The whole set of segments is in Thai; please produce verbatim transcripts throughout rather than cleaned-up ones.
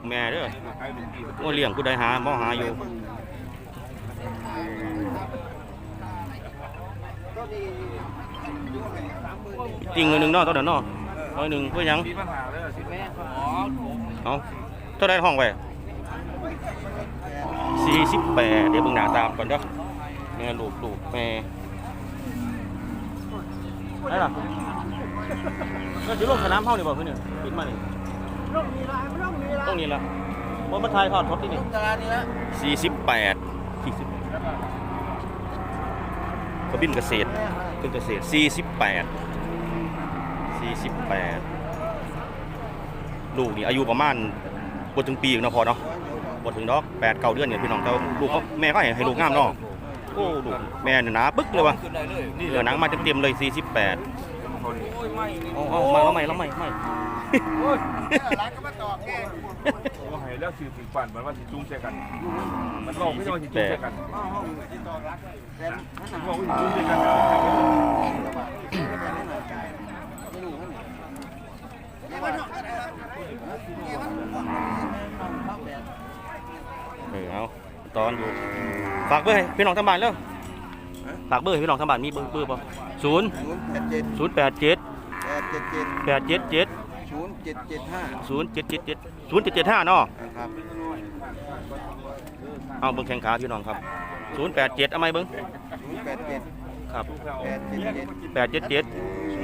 กแม่เด้อโอ้เลี้ยงกูได้หาบ่หาอยู่ติ่งเงินหนึ่งเนาะตัวเดียวเนาะร้อยหนึ่งเพื่อยังเอาเท่าไรห้องไปสี่สิบแปดเดี๋ยวมึงหนาตามก่อนเด้อแม่ลูกลูกแม่ได้หรอก็จะลงสนามเท่านี่บ่เพื่อนเนี่ยปิดมานี่ต้องนี่ละว่ามาทายทอดทดที่นี่สี่สิบแปดสี่สิบกระบินเกษตรเป็นเกษตรสี่สิบแปดสี่สิบแปดลูกนี่อายุประมาณบนถึงปีนะพอเนาะบนถึงดอกแปดเก้าเดือนเนี่ยพี่น้องแต่ลูกเขาแม่ก็ให้ลูกงามเนาะโอ้ลูกแม่เนี่ยหนาปึ๊กเลยวะเหลือหนังมาเต็มๆเลยสี่สิบแปดเอาเอามาแล้วใหม่แล้วใหม่ใหม่ร้านก็มาต่อแกว่าให้แล้วสื่อถึงปั่นมันว่าสิจุ้งใช่กันมันบอกไม่ใช่ว่าสิจุ้งใช่กันมันบอกว่าสิจุ้งใช่กันเออเอาตอนอยู่ฝากเบอร์ให้พี่น้องทางบ้านแล้วฝากเบอร์ให้พี่น้องทางบ้านมีเบอร์เบอร์ป่ะศูนย์ศูนย์แปดเจ็ดแปดเจ็ดเจ็ดศูนย์เจ็ดเจ็ดห้าศูนย์เจ็ดเจ็ดเจ็ดศูนย์เจ็ดเจ็ดห้าเนาะเอาเบิ้งแข่งขาพี่น้องครับศูนย์แปดเจ็ดเอาไหมเบิ้งแปดเจ็ดครับแปดเจ็ดเจ็ด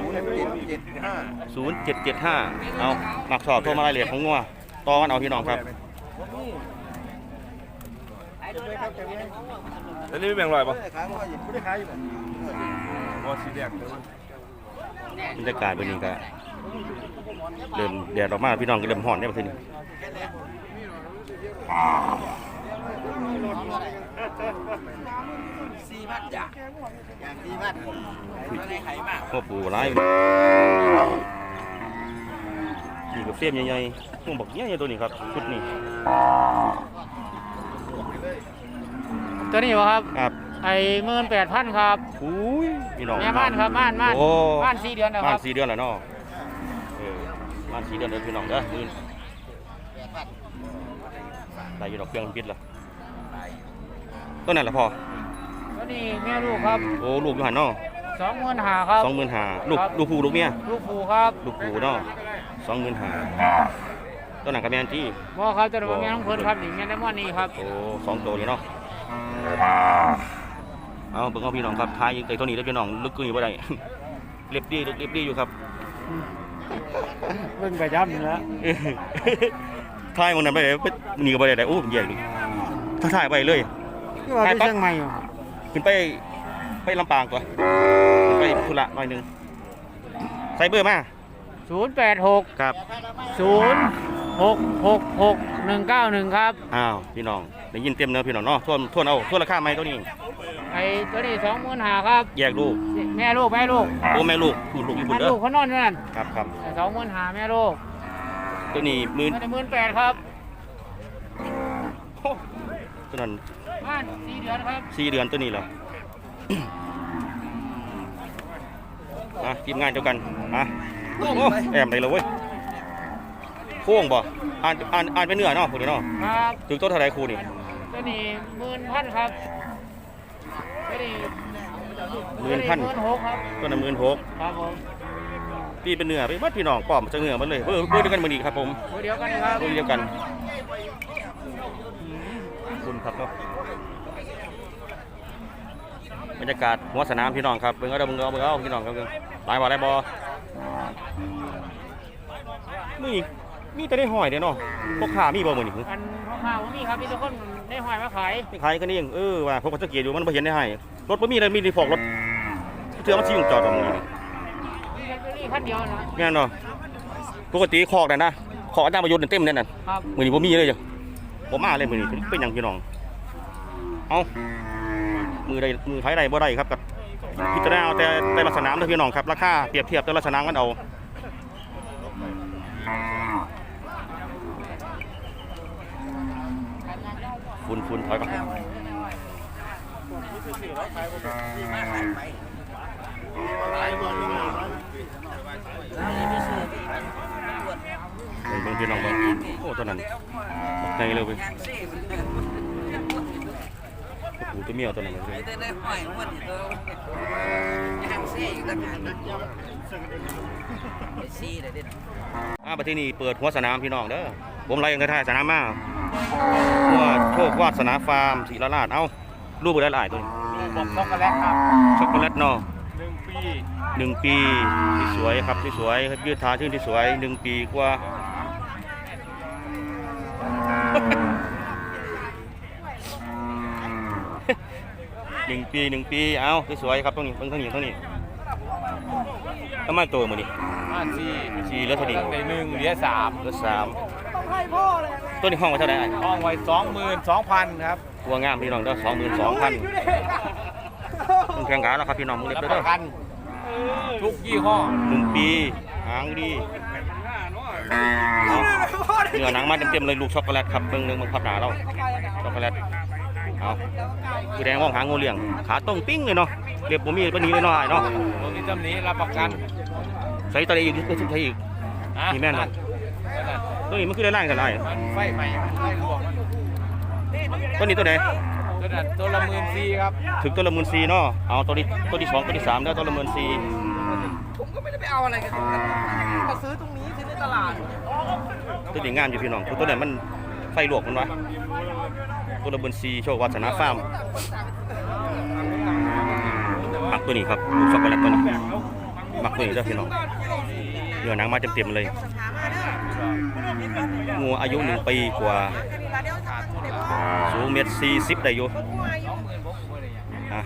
ศูนย์เจ็ดเจ็ดห้าเอาหมักสอบโทรมาไล่เหลี่ยมของงัวต่อกันเอาพี่น้องครับแล้วนี่ไม่แบ่งลอยป่ะบรรยากาศเป็นยังไงเริ่มแดดออกมาพี่น้องก็เริ่มห่อนได้ประเทศนี้สี่พันจ้ะอย่างสี่พันอะไรไข่มากพ่อปู่ร้ายนี่กับเสียมใหญ่ๆพวกบอกใหญ่ๆตัวนี้ครับชุดนี้ตัวนี้วะครับครับไอ้หมื่นแปดพันครับอุ้ยพี่น้องแม่ม่านครับม่านม่านม่านสี่เดือนแล้วครับม่านสี่เดือนแล้วเนาะเออม่านสี่เดือนแล้วพี่น้องเด้อมื่นได้อยู่ดอกเครื่องพิษละต้นนั้นละพอตัวนี้แม่ลูกครับโอ้ลูกอยู่หันเนาะสองหมื่นห้าครับสองหมื่นห้าลูกลูกผู้ลูกเมียลูกผู้ครับลูกผู้เนาะสองหมื่นห้าต้นนั้นกับแม่จี้บ่ครับตัวนั้นแม่น้องเพิ่นครับนี่แม่ได้ม่อนนี่ครับโอ้สองตัวนี่เนาะเอาเบิ่งเอาพี่น้องครับทายไอ้ตัวนี้ได้พี่น้องลึกกึ่งอยู่บ่ได้เรียบดีเรียบดีอยู่ครับเบิ่งกระยับนี่ละทายมันนั้นไปเลยนี่ก็บ่ได้ได้โอ้แย่เลยถ้าถ่ายไปเลยถ่ายไปเชียงใหม่ขึ้นไปไปลำปางก่อนไปธุระหน่อยนึงใส่เบอร์มาศูนย์แปดหกครับศูนย์หกหกหกหนึ่งเก้าหนึ่งครับอ้าวพี่น้องได้ยินเต็มเนื้อพี่น้องเนาะทวนทวนเอาทวนราคาไหมตัวนี้ไอ้ตัวนี้สองหมื่นห้าครับแยกลูกแม่ลูกแม่ลูกโอ้แม่ลูกลูกลูกอยู่บนเด้อลูกเขานอนนั่นครับครับสองหมื่นห้าแม่ลูกตัวนี้หมื่นหมื่นแปดครับตัวนั้นบ้านสี่เดือนครับสี่เดือนตัวนี้เหรอมาทีมงานเดียวกันมาโอ้แอมได้เลยเว้ยโค้งบ่อ่านอ่านอ่านเป็นเนื้อเนาะพวกนี้เนาะครับถึงต้นเท่าไรครูนี่ตัวนี้หมื่นพันครับตัวนี้หมื่นพันตัวนั้นหมื่นหกครับผมพี่เป็นเนื้อไปวัดพี่น้องปอมจะเนื้อมันเลยเบอร์เบอร์เดียวกันมือดีครับผมเบอร์เดียวกันครับเบอร์เดียวกันคุณครับเนาะบรรยากาศหัวสนามพี่น้องครับเบิ่งเอาเด้อเบิ่งเอาเบิ่งเอาพี่น้องครับหลายบ่หลายบ่มีมีแต่ได้หอยเด้อเนาะพวกขามีบ่มื้อนี้อันพวกขาบ่มีครับมีแต่คนได้หอยมาขายขายกันเองเออว่าพวกก็สังเกตอยู่มันบ่เห็นได้ให้รถบ่มีเลยมีแต่พวกรถเทื่อมันสิจอดตรงนี้มีแค่นี้คันเดียวนะแม่นเนาะปกติคอกนั่นนะคอกอาจารย์ประยุทธ์เต็มนั่นน่ะครับมื้อนี้บ่มีเลยจ้ะบ่มาเลยมื้อนี้เป็นหยังพี่น้องเอ้ามือใดมือไผใดบ่ได้ครับกับพิจารณาเอาแต่แต่ละสนามเด้อพี่น้องครับราคาเปรียบเทียบแต่ละสนามกันเอาฝุ่นฝุ่นถอยก่อนเบิ่งพี่น้องเบิ่งโอ้ตัวนั้นบักไงเลยเว้ยโอ้โหตัวเมียวตัวนั้นเลยได้ได้หอยมันนี่ตัวย่างเสียอีกต่างหากไอ้ซีได้ดิอ่าประเทศนี้เปิดหัวสนามพี่น้องเด้อผมไล่ยังได้ท่ายสนามมาหัวโชควาสนาฟาร์มศรีราชเอ้ารูปบ่ได้หลายตัวนี้ผมช็อกโกแลตครับช็อกโกแลตเนาะหนึ่งปีหนึ่งปีที่สวยครับที่สวยยืดทาชื่นที่สวยหนึ่งปีกว่าหนึ่งปีหนึ่งปีเอ้าที่สวยครับตรงนี้เบิ่งทางนี้ทางนี้ทำไมตัวมันนี่ห้าสี่สี่เหลือเท่านี้ตั้งแต่หนึ่งเหลือสามเหลือสามตัวนี้ห้องไว้เท่าไหร่ห้องไว้สองหมื่นสองพันครับตัวงามพี่น้องเด้อสองหมื่นสองพันมึงแข่งขันแล้วครับพี่น้องมึงเล็บรับเด้ปอระกันทุกยี่ห้อหนึ่งปีหางดีเอาเนื้อหนังมาเต็มๆเลยลูกช็อกโกแลตครับเบิ่งหนึงมันพับหนาเราช็อกโกแลตเอาคือแดงมองหางงูเหลี่ยงขาตรงปิ้งเลยเนาะเรียบผมมีปนี้เลยเนาะไอ้เนาะตรงนี้จำนี้รับประกันใส่ตัวใดอีกก็ใส่อีกอ่ะนี่แม่นบ่นั่นตัวนี้มันคือได้ล่างกันไอ้มันไฟใหม่มันไฟรวมตัวนี้ตัวไหนตัวนั้นตัวละหมื่นสี่ครับถึงตัวละหมื่นสี่เนาะเอาตัวนี้ตัวที่สองตัวที่สามแล้วตัวละหมื่นสี่ผมก็ไม่ได้ไปเอาอะไรกันมาซื้อตรงนี้ซื้อในตลาดตัวนี้งามอยู่พี่น้องตัวไหนมันไฟลวกมันวะตัวละหมื่นสี่โชควาสนาฟาร์มมักตัวนี้ครับลูกช็อกโกแลตตัวนี้มักตัวนี้เด้อพี่น้องเนื้อหนังมาเต็มๆเลยงูอายุหนึ่งปีกว่าสูงเมตรสี่สิบได้อยู่อ่ะ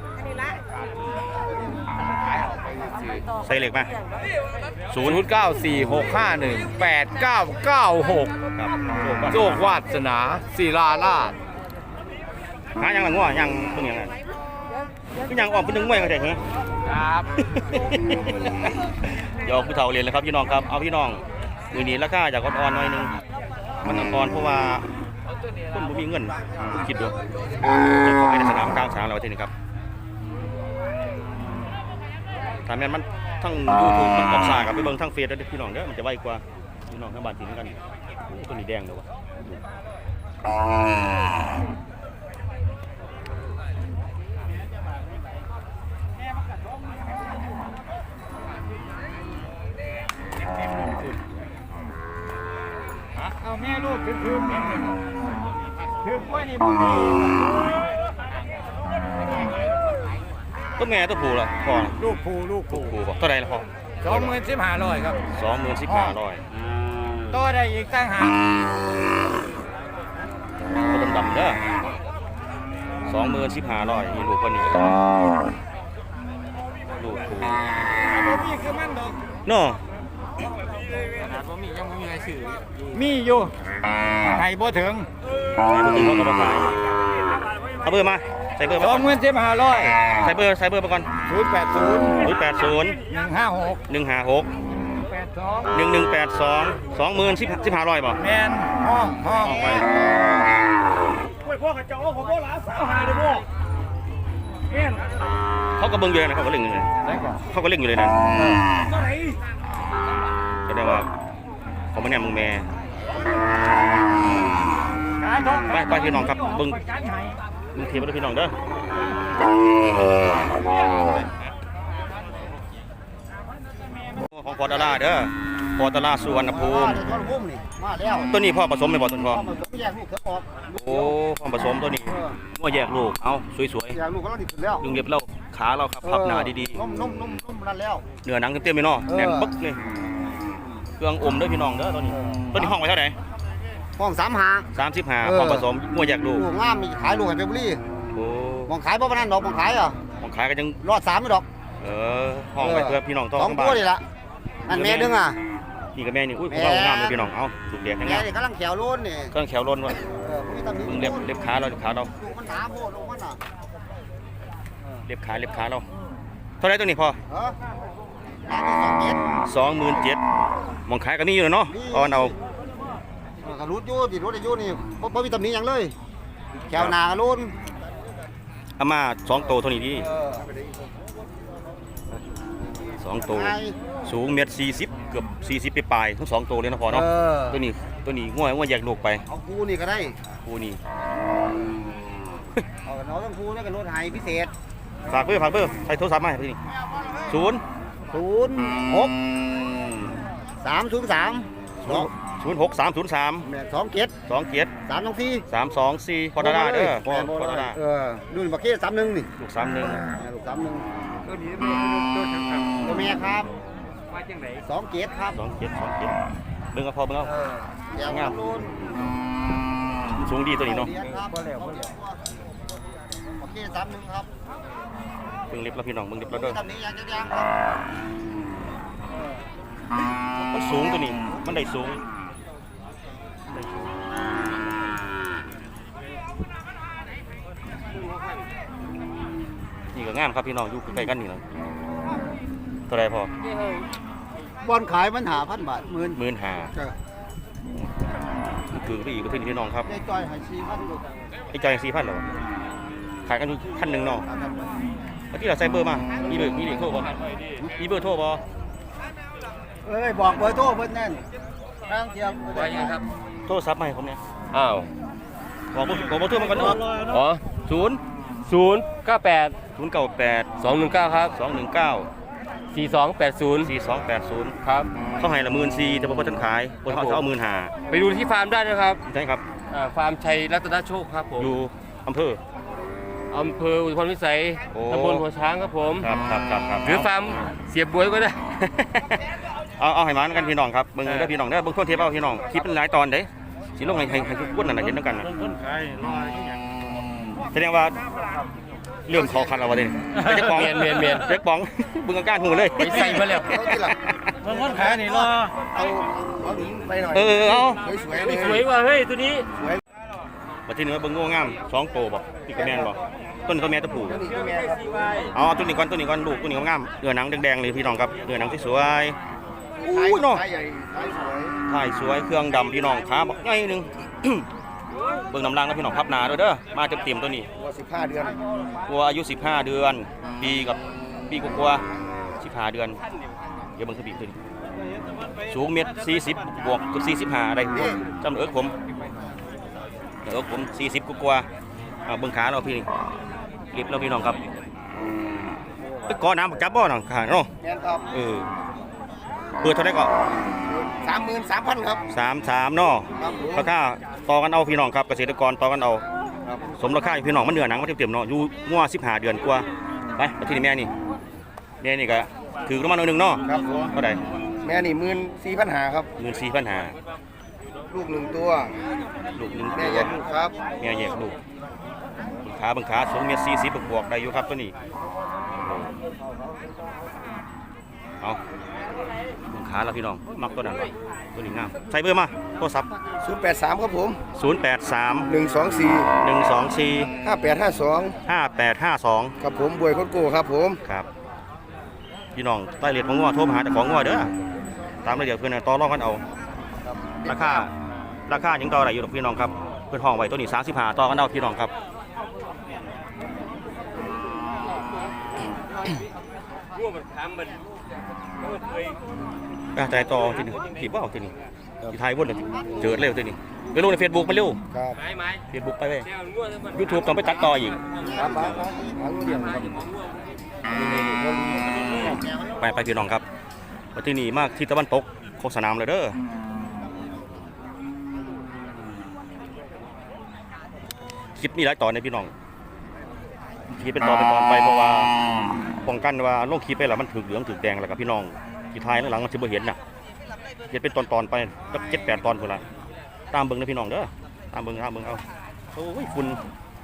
ใส่เหล็กมาศูศูนนย์ย์เก้าสี่หกห้าหนึ่งแปดเก้าเก้าหกครับโชควาสนาศิลาราชหายังละงัวยังเพิ่งยังไงคือยังออกเป็นหนึ่งมวยกันใช่ไหมครับยอกผู้เฒ่าเรียนเลยครับพี่น้องครับเอาพี่น้องมือนี้ราคาจากอ่อนๆหน่อยหนึงมันอ่อนเพราะว่าคนบ่มีเงินคุณคิดดูจะขายในสนามกลางสนามเราที่นี่ครับถ้าแม่นมันทั้ง YouTube มันออกซากับไปเบิ่งทั้งเฟซแล้วเด้อพี่น้องเด้อมันจะไวกว่าพี่น้องทั้งบ้านถิ่นกันโอ้ตัวนี้แดงเลยวะเอาแม่ลูกถึงถึงถึงไว้นี่บุรีตัวแม่ตัวผู้ล่ะพ่อลูกผูลูกตัวผูผู้บอกเท่าไหร่ละพ่อสองหมื่นสิบห้าร้อยครับสองหมื่นสิบห้าร้อยต่อได้อีกตั้งหากตัวดำๆเด้อสองหมื่นสิบห้าร้อยนี่ลูกคนนี้ลูกผู้บ่มีคือมันดอกเนาะขนาดบ่มียังบ่มีใครซื้อมีอยู่ให้บ่ถึงไหนบ่ถึงเขาก็บ่ขายเอาเบอร์มาใส่เบอร์สมาอก่งอนหมื่นสิบห้าร้อยใส่เบอร์ใส่เบอร์มาก่อนศูนย์แปดศูนย์ศูนย์แปดศูนย์หนึ่งห้าหกหนึ่งห้าหกแปดสองหนึ่งหนึ่งแปดสองสองหมื่นสิบสิบห้าร้อยบ่แมนห้องห้องออกไปโอ้ยพ่อกับเจ้าผมก็หลานสาวหาเลยพ่อเงี้ยเขาก็เบิ่งอยู่เลยนะเขาก็เล่งอยู่เลยได้ก่อนเขาก็เล่งอยู่เลยนะเท่าไหร่แสดงว่าเขาไม่แน่มึงแม่การทองไปไปพี่น้องครับเบิ่งมึงเทียบไปด้วยพี่น้องเด้อของพอตลาเด้อพอตลาสุวรรณภูมิต้นพุ่มนี่มาแล้วตัวนี้พ่อผสมไม่บ่ต้นพ่อพ่อมันแยกลูกเถอะออกโอ้พ่อผสมตัวนี้งัวแยกลูกเอาสวยแยกลูกก็ต้องติดขึ้นแล้วๆลุงเรียบเราขาเราครับพับหนาดีนุ่มนุ่มนุ่มนุ่มนั่นแล้วๆเนื้อหนังเต็มๆเลยเนาะแน่นปึ๊กเลยเครื่องอมเด้อพี่น้องเด้อตัวนี้ตัวนี้ห้องไว้เท่าไหร่ห้องสามหาสามสิบห้าเออพ่อผสมงัวแยกลูกลูกงามมีขายลูกให้ไปบุรีโอ้มองขายบ่ปานนั้นดอกมองขายอ่ะของขายก็ยังรอดสามไม่ดอกเออห้องไว้เพื่อพี่น้องต้องสองบ้าตัวน นี่ละอันแม่ดึงอ่ะนี่กับแม่นี่อุ้ยแม่ของเรางามเลยพี่น้อง เอาสุกแดงทั้งแม่งามนี่กำลังแขวโล้นนี่เครื่องแขวล้นว่ะเออมีตำหนิมึงเล็บเล็บขาเราเล็บขาเราลูกมันหนาโพดลูกมันอ่ะเล็บขาเล็บขาเราเท่าไหรตัวนี้พอเออแม่นี่สองเจ็ดสองหมื่นเจ็ดมองขายก็มีอยู่เนาะเอาอันเอาเออกระรุดอยู่ติดรถอายุนี่บ่บ่มีตำหนิหยังเลยแขวหนากระรุนเอามาสองโตวเท่านี้ดีเออสสองตัวสูงเมตรสี่สิบเกือบสี่สิบปลายๆทั้งสองตัวเลยนะพอเนาะเออตัวนี้ตัวนี้ง่วยง่วยแยกลูกไปเอาคู่นี่ก็ได้คู่นี้เอาเราต้องคู่แล้วก็รถไฮพิเศษฝากเบอร์ฝากเบอร์ใส่โทรศัพท์มาให้พี่นี่ศูนย์ศูนย์หกสามศูนย์สามศูนย์หกสามศูนย์สามแม่สองเจ็ดสองเจ็ดสามสองสี่สามสองสี่พอดาเด้อพอพอดาเออดูบักเก้สามหนึ่งนี่ลูกสามหนึ่งลูกสามหนึ่งตัวนี้ไม่ตัวฉันครับตัวแม่ครับมาจังไหนสองเจ็ดครับสองเจ็ดสองเจ็ดเบิ่งเอาพอเบิ่งเอาเออแก้วงามรุ่นสูงดีตัวนี้เนาะครับบักเก้สามหนึ่งครับเบิ่งเล็บแล้วพี่น้องเบิ่งเล็บแล้วเด้อตำนี้ยังจะยังครับมันสูงตัวนี้มันได้สูงนี่ก็งามครับพี่น้องอยู่ใกล้ๆกันนี่นะเท่าไรพอบอลขายมันหาพันบาทหมื่นหมื่นห้าจ้ะคือไปอีกก็ถึงพี่น้องครับได้จ้อยหายชีพันลูกไอ้จอยสี่พันเหรอขายกันอยู่พันหนึ่งเนาะแล้วที่เราใส่เบอร์มามีเบอร์มีเบอร์โทรบ่มีเบอร์โทรบ่เอ้ยบอกเบอร์โทรเพิ่นแน่นทางเทียมว่ายังครับโทรศัพท์มาให้ผมเนี่ยอ้าวบอกเบอร์บอกเบอร์โทรมาก่อนเนาะอ๋อศูนย์ศูนย์เก้าแปดศูนย์เก้าแปดสองหนึ่งเก้าครับสองหนึ่งเก้าสี่สองแปดศูนย์สี่สองแปดศูนย์ครับเขาให้ละหมื่นสี่แต่ผมก็ท่านขายคนเขาเอาหมื่นห้าไปดูที่ฟาร์มได้นะครับใช่ครับอ่าฟาร์มชัยรัตนโชคครับผมอยู่อำเภออำเภออุทุมพรพิสัยโอ้ตำบลหัวช้างครับผมครับครับครับครับหรือฟาร์มเสียบวยก็ได้เอาเอาให้มันกันพี่น้องครับเบิ่งได้อพี่น้องได้อเบิ่งโทษเทปเอาพี่น้องคลิปเป็นหลายตอนเด้สิลงให้ให้ให้ทุกคนนั่นน่ะเห็นด้วยกันน่ะคนขายรอยอย่างแสดงว่าเริ่มเขาคันแล้ววะเด้เจ๊ปองเมียนเมียนเมียนเจ๊ปองเบิ่งอาการหูเลยไปใส่มาแล้วเอาที่หลังมันคนขายนี่รอเอาเอาหนิงไปหน่อยเออเอาสวยๆเลยสวยว่ะเฮ้ยตัวนี้มาที่นี่ว่าเบิ่งโง่งามสองโตบ่พี่กระแมนบ่ต้นเขาแม่ตะผูนี่ก็แม่ครับเอาเอาตัวนี้ก่อนตัวนี้ก่อนลูกตัวนี้งามเนื้อหนังแดงๆเลยพี่น้องครับเนื้อหนังสวยๆอู้ยเนาะขายใหญ่ขายสวยถ่ายสวยเครื่องดำพี่น้องขาบักใหญ่หนึง เบิ่งน้ำล่างนะพี่น้องพับหนาด้วยเด้อมาเต็มๆตัวนี้วัวสิบห้าเดือนวัวอายุสิบห้าเดือนปีกับปีกว่าๆสิบห้าเดือนเดี๋ยวเบิ่งคือปีขึ้นสูงเมตรสี่สิบบวกกับสี่สิบห้าได้จำเอิกผมเอิกผมสี่สิบกว่าๆเอาเบิ่งขาเราพี่นี่เรียบเราพี่น้องครับไปก่อน้ำบักจับบ่น้องขาเนาะแม่นครับเออเปิดเท่าไหร่ก็สามหมื่นสามพันครับสามสามเนาะครับผมราคาต่อกันเอาพี่น้องครับเกษตรกรต่อกันเอาครับสมราคาอยู่พี่น้องมันเนื้อหนังมันเต็มๆเนาะอยู่งัวสิบห้าเดือนกว่าไปไปที่นี่แม่นี่แม่นี่ก็ถือประมาณหนึ่งเนาะครับผมเท่าไหร่แม่นี่หมื่นสี่พันหาครับหมื่นสี่พันหาลูกหนึ่งตัวลูกหนึ่งแม่ตัวแยกลูกครับแม่แยกลูกบังขาบังขาสูงเมตรสี่สิบบวกๆได้อยู่ครับตัวนี้เอาบังขาแล้วพี่น้องมักตัวนั้นตัวนี้งามใส่เบอร์มาโทรศัพท์ศูนย์แปดสามครับผมศูนย์แปดสามหนึ่งสองสี่หนึ่งสองสี่ห้าแปดห้าสองห้าแปดห้าสองครับผมบวยโคตรโก้ครับผมครับพี่น้องใต้เรียนของงัวโทรมาหาแต่ของงัวเด้อตามระเบียบเพื่อนนะต่อรองกันเอาราคาราคายังต่อได้อยู่ดอกพี่น้องครับเพื่อนห้องไว้ตัวนี้สามสิบห้าต่อกันเอาพี่น้องครับอ่ะใจต่อทีนี้ขีบว่าเอาทีนี้ทีไทยวนเลยเจอเร็วทีนี้ไปลงในเฟซบุ๊กไปเร็วครับไม้ไม้เฟซบุ๊กไปเว้ยแนวง่วงทั้งหมดยูทูบต้องไปตัดต่ออีกครับครับหางเดียวครับไปไปพี่น้องครับมาที่นี่มากที่ตะวันตกของสนามเลยเด้อคลิปนี้หลายตอนในพี่น้องคลิปเป็นตอนเป็นตอนไปเพราะว่าป้องกันว่าลงคลิปไปแล้วมันถึกเหลืองถึกแดงแล้วกับพี่น้องที่ท้ายแล้วหลังมันจะบ่เห็นน่ะเห็นเป็นตอนตอนๆไปสักเจ็ดแปดตอนพุ่นละตามเบิ่งนะพี่น้องเด้อตามเบิ่งตามเบิ่งเอาโอ้ยฝุ่น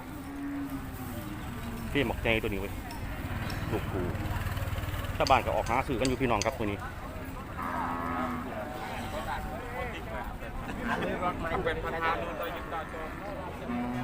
พี่หมอกใจตัวนี้เว้ยลูกปูชาวบ้านก็ออกหาซื้อกันอยู่พี่น้องครับตัวนี้เป็นประธาน